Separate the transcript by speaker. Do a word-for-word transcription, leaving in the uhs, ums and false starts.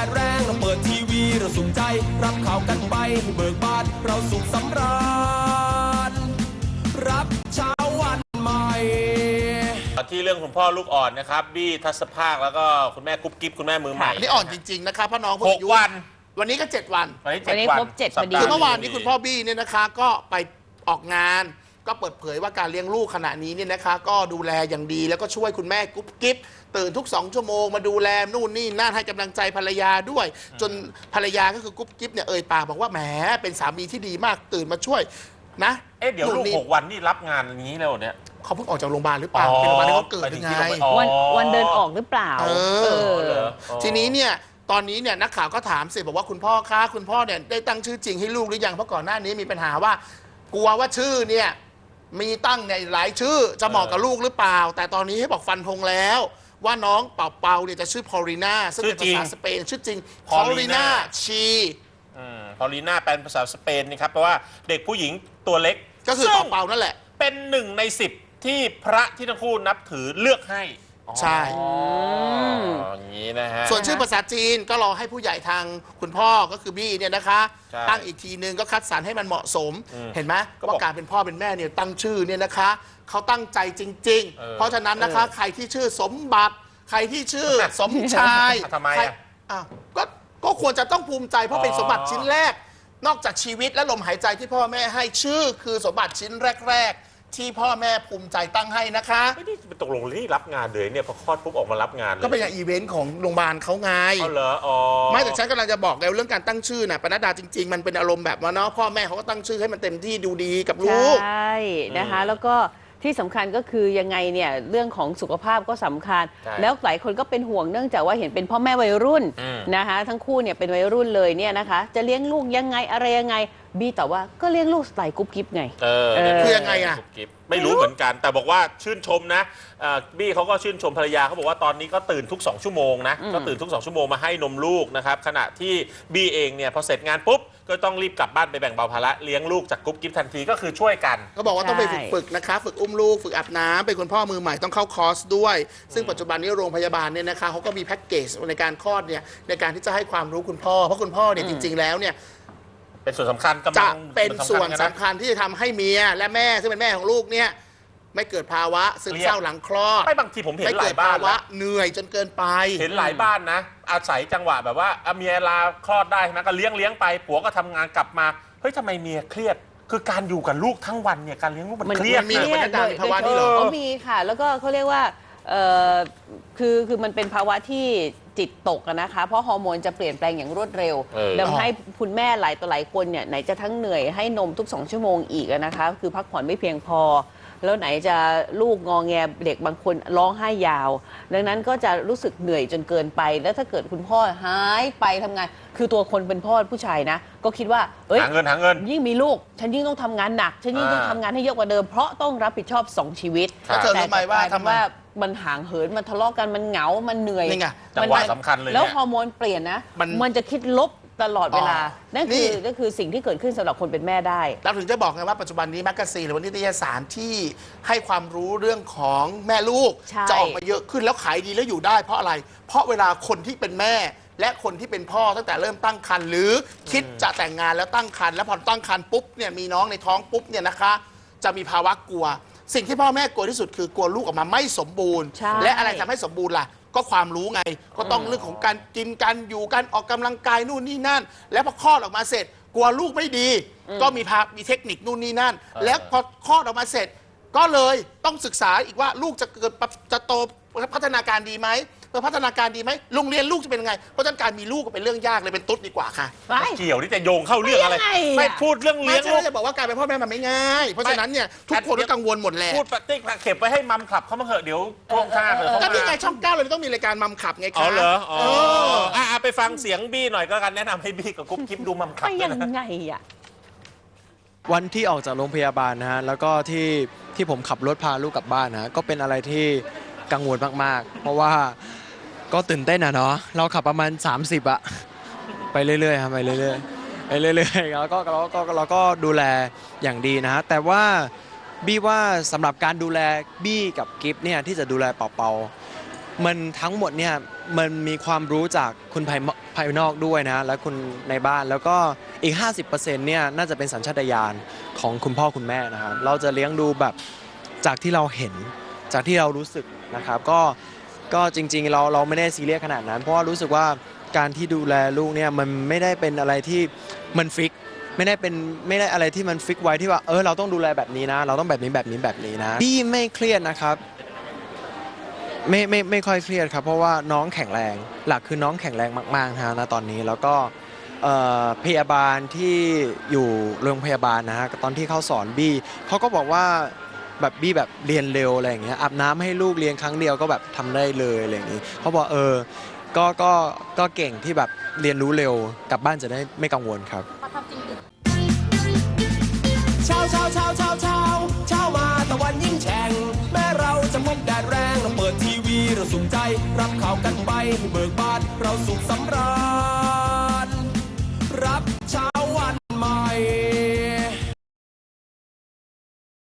Speaker 1: ดแรงเราเปิดทีวีเราสุขใจรับข่าวกันไปให้เบิกบานเราสุขสำราญรับเช้าวันใหม่
Speaker 2: ที่เรื่องคุณพ่อลูกอ่อนนะครับบี้ทัศภาคแล้วก็คุณแม่กุ๊บกิ๊บคุณแม่มือใหม่
Speaker 3: นี่อ่อนจริงๆนะคะพ่อน้อง
Speaker 2: หกวัน
Speaker 3: วันนี้ก็เจ็ดวัน
Speaker 2: วันนี้เจ็ด
Speaker 4: วันครบเจ็ดพอดี
Speaker 3: คือเมื่อวานนี้คุณพ่อบี้เนี่ยนะคะก็ไปออกงานก็เปิดเผยว่าการเลี้ยงลูกขณะนี้เนี่ยนะคะก็ดูแลอย่างดีแล้วก็ช่วยคุณแม่กุ๊บกิ๊บตื่นทุกสองชั่วโมงมาดูแลนู่นนี่นั่นให้กำลังใจภรรยาด้วยจนภรรยาก็คือกุ๊บกิ๊บเนี่ยเอ่ยปากบอกว่าแหมเป็นสามีที่ดีมากตื่นมาช่วยนะ
Speaker 2: เอ๊ะเดี๋ยวลูกหกวันนี่รับงานอย่างนี้แล้วเนี่ย
Speaker 3: เขาเพิ่งออกจากโรงพยาบาลหรือเปล่าเป็นโรงพยาบาลที่เขาเกิดยังไง
Speaker 4: วันวันเดินออกหรือเปล่า
Speaker 3: เออทีนี้เนี่ยตอนนี้เนี่ยนักข่าวก็ถามสิบอกว่าคุณพ่อคะคุณพ่อเนี่ยได้ตั้งชื่อจริงให้ลูกหรือยังเพราะก่อนหน้านี้มีปัญหาว่ากลัวว่าชื่อเนี่ยมีตั้งในหลายชื่อจะเหมาะกับลูกหรือเปล่าแต่ตอนนี้ให้บอกฟันธงแล้วว่าน้องเป่าเปาเนี่ยจะชื่อพอลิน่าซึ่งเป็นภาษาสเปนชื่อจริงพอลิน่าชี
Speaker 2: พอลิน่าเป็นภาษาสเปนนะครับแปลว่าเด็กผู้หญิงตัวเล็ก
Speaker 3: ก็คือเป่าเปานั่นแหละ
Speaker 2: เป็นหนึ่งในสิบที่พระที่ทั้งคู่นับถือเลือกให้
Speaker 3: ใช่
Speaker 2: อย่างนี้นะฮะ
Speaker 3: ส่วนชื่อภาษาจีนก็รอให้ผู้ใหญ่ทางคุณพ่อก็คือบี้เนี่ยนะคะตั้งอีกทีนึงก็คัดสรรให้มันเหมาะสมเห็นไหมว่าการเป็นพ่อเป็นแม่เนี่ยตั้งชื่อเนี่ยนะคะเขาตั้งใจจริงๆเพราะฉะนั้นนะคะใครที่ชื่อสมบัติใครที่ชื่อสมชาย
Speaker 2: ทำไม
Speaker 3: อ่ะก็ก็ควรจะต้องภูมิใจเพราะเป็นสมบัติชิ้นแรกนอกจากชีวิตและลมหายใจที่พ่อแม่ให้ชื่อคือสมบัติชิ้นแรกๆที่พ่อแม่ภูมิใจตั้งให้นะคะ
Speaker 2: ไม่ได้ตกลงที่รับงานเลยเนี่ยพอคลอดปุ๊บออกมารับงานเลย
Speaker 3: ก็เป็นอย่างอีเวนต์ของโรงพยาบาลเขาไง
Speaker 2: อ๋อเหรออ๋อ
Speaker 3: ไม่แต่ฉันกำลังจะบอกแล้วเรื่องการตั้งชื่อน่ะปนัดดาจริงๆมันเป็นอารมณ์แบบว่าเนาะพ่อแม่เขาก็ตั้งชื่อให้มันเต็มที่ดูดีกับลูก
Speaker 4: ใช่นะคะแล้วก็ที่สำคัญก็คือยังไงเนี่ยเรื่องของสุขภาพก็สำคัญแล้วหลายคนก็เป็นห่วงเนื่องจากว่าเห็นเป็นพ่อแม่วัยรุ่นนะคะทั้งคู่เนี่ยเป็นวัยรุ่นเลยเนี่ยนะคะจะเลี้ยงลูกยังไงอะไรยังไงบี้ตอบว่าก็เลี้ยงลูกสไตล์กุ๊บกิ๊บไง
Speaker 2: เออ
Speaker 3: คือยังไงอะ
Speaker 2: ไม่รู้เหมือนกันแต่บอกว่าชื่นชมนะบี้เขาก็ชื่นชมภรรยาเขาบอกว่าตอนนี้ก็ตื่นทุกสองชั่วโมงนะก็ตื่นทุกสองชั่วโมงมาให้นมลูกนะครับขณะที่บี้เองเนี่ยพอเสร็จงานปุ๊บก็ต้องรีบกลับบ้านไปแบ่งเบาภาระเลี้ยงลูกจากกุ๊บกิ๊บทันทีก็คือช่วยกัน
Speaker 3: ก็บอกว่าต้องไปฝึกฝึกนะคะฝึกอุ้มลูกฝึกอาบน้ำเป็นคุณพ่อมือใหม่ต้องเข้าคอร์สด้วยซึ่งปัจจุบันนี้โรงพยาบาลเนี่ยนะคะเขาก็มีแพ็กเกจในการคลอดเนี่ยในการที่จะให้ความรู้คุณพ่อเพราะคุณพ่อเนี่ยจริงๆแล้วเนี่ย
Speaker 2: เป็นส่วนสำคัญ
Speaker 3: จะเป็นส่วนสำคัญที่จะทำให้เมียและแม่ซึ่งเป็นแม่ของลูกเนี่ยไม่เกิดภาวะซึมเศร้าหลังคลอด
Speaker 2: ไม่บางทีผมเห็นหลายบ้าน
Speaker 3: แล้วเหนื่อยจนเกินไป
Speaker 2: เห็นหลายบ้านนะอาศัยจังหวะแบบว่าเมียลาคลอดได้นะก็เลี้ยงเลี้ยงไปผัวก็ทำงานกลับมาเฮ้ยทำไมเมียเครียดคือการอยู่กับลูกทั้งวันเนี่ยการเลี้ยงลูกมันเครียด
Speaker 3: มีบรรยากาศภาวะนี้เหรอ
Speaker 4: เขามีค่ะแล้วก็เขาเรียกว่าคือคือมันเป็นภาวะที่จิตตกนะคะเพราะฮอร์โมนจะเปลี่ยนแปลงอย่างรวดเร็วทำให้คุณแม่หลายต่อหลายคนเนี่ยไหนจะทั้งเหนื่อยให้นมทุกสองชั่วโมงอีกนะคะคือพักผ่อนไม่เพียงพอแล้วไหนจะลูกงอแงเด็กบางคนร้องไห้ยาวดังนั้นก็จะรู้สึกเหนื่อยจนเกินไปแล้วถ้าเกิดคุณพ่อหายไปทำงานคือตัวคนเป็นพ่อผู้ชายนะก็คิดว่า
Speaker 2: เอ้ยหาเงินหาเงิน
Speaker 4: ยิ่งมีลูกฉันยิ่งต้องทำงานหนักฉันยิ่งต้องทำงานให้เยอะกว่าเดิมเพราะต้องรับผิดชอบสองชีวิต
Speaker 3: แต่เธอรู้ไหมว่า
Speaker 4: ทำว่ามันห่างเหินมันทะเลาะกันมันเหงามันเหนื่อย
Speaker 2: จังหวะสำคัญเลย
Speaker 4: แล้วฮอร์โมนเปลี่ยนนะมันจะคิดลบตลอดเวลานั่นคือนั่นคือสิ่งที่เกิดขึ้นสำหรับคนเป็นแม่ได้
Speaker 3: เราถึงจะบอกไงว่าปัจจุบันนี้แมกกาซีนหรือว่านิตยสารที่ให้ความรู้เรื่องของแม่ลูกจะออกมาเยอะขึ้นแล้วขายดีแล้วอยู่ได้เพราะอะไรเพราะเวลาคนที่เป็นแม่และคนที่เป็นพ่อตั้งแต่เริ่มตั้งครรภ์หรือคิดจะแต่งงานแล้วตั้งครรภ์แล้วพอตั้งครรภ์ปุ๊บเนี่ยมีน้องในท้องปุ๊บเนี่ยนะคะจะมีภาวะกลัวสิ่งที่พ่อแม่กลัวที่สุดคือกลัวลูกออกมาไม่สมบูรณ์และอะไรทำให้สมบูรณ์ล่ะก็ความรู้ไงก็ต้องเรื่องของการกินการอยู่การออกกำลังกายนู่นนี่นั่นแล้วพอคลอดออกมาเสร็จกลัวลูกไม่ดีก็มีพามีเทคนิคนู่นนี่นั่นแล้วพอคลอดออกมาเสร็จก็เลยต้องศึกษาอีกว่าลูกจะเกิดจะโตพัฒนาการดีไหมเพื่อพัฒนาการดีไหมโรงเรียนลูกจะเป็นยังไงเพราะฉะนั้นการมีลูกก็เป็นเรื่องยากเลยเป็นตุ๊ดดีกว่าค่ะ
Speaker 2: เกี่ยวที่จะโยงเข้าเรื่องอะไรไม่พูดเรื่องเลี้ยงลูก
Speaker 3: จะบอกว่าการเป็นพ่อแม่มันไม่ง่ายเพราะฉะนั้นเนี่ยทุกคนก็กังวลหมดแหละ
Speaker 2: พูดปฏิกเข็บไปให้มัมขับเขามาเหอะเดี๋ยวท่วงท่าเลย
Speaker 3: ก็นี่ไงช่องเก้าเลยต้องมีรายการมัมขับไงคะ
Speaker 2: อ๋อเหรออ๋อไปฟังเสียงบี้หน่อยก็กันแนะนำให้บี้กับกุ๊บกิ๊บดูมัมขับ
Speaker 4: ไปยังไงอ่ะ
Speaker 5: วันที่ออกจากโรงพยาบาลนะฮะแล้วก็ที่ที่ผมขับรถพาลูกกลับบ้านนะก็เป็นอะไรที่กังวลมากๆเพราะว่าก็ตื่นเต้นอะเนาะเราขับประมาณสามสิบอะไปเรื่อยๆครับไปเรื่อยๆไปเรื่อยๆแล้วก็เราก็เราก็ดูแลอย่างดีนะฮะแต่ว่าบี้ว่าสำหรับการดูแลบี้กับกิฟต์เนี่ยที่จะดูแลเป่าๆมันทั้งหมดเนี่ยมันมีความรู้จากคุณภายภายนอกด้วยนะและคุณในบ้านแล้วก็อีก ห้าสิบเปอร์เซ็นต์ เนี่ยน่าจะเป็นสัญชาตญาณของคุณพ่อคุณแม่นะครับเราจะเลี้ยงดูแบบจากที่เราเห็นจากที่เรารู้สึกนะครับก็ก็จริงๆเราเราไม่ได้ซีเรียสขนาดนั้นเพราะว่ารู้สึกว่าการที่ดูแลลูกเนี่ยมันไม่ได้เป็นอะไรที่มันฟิกไม่ได้เป็นไม่ได้อะไรที่มันฟิกไว้ที่ว่าเออเราต้องดูแลแบบนี้นะเราต้องแบบนี้แบบนี้แบบนี้นะพี่ไม่เครียดนะครับไม่ไม่ไม่ค่อยเครียดครับเพราะว่าน้องแข็งแรงหลักคือน้องแข็งแรงมากๆนะนะตอนนี้แล้วก็พยาบาลที่อยู่โรงพยาบาลนะฮะตอนที่เขาสอนบี้เขาก็บอกว่าแบบบี้แบบเรียนเร็วอะไรอย่างเงี้ยอาบน้ำให้ลูกเรียนครั้งเดียวก็แบบทำได้เลยอะไรอย่างงี้เขาบอกเออก็ก็ก็เก่งที่แบบเรียนรู้เร็วกลับบ้านจะได้ไม่กังวลครับ
Speaker 1: เช้าเช้าเช้าเช้าเช้าเช้ามาตะวันยิ่งแฉ่งแม้เราจะพบแดดแรงเราเปิดทีวีเราสุขใจรับข่าวกันไปให้เบิกบานเราสุขสำราญ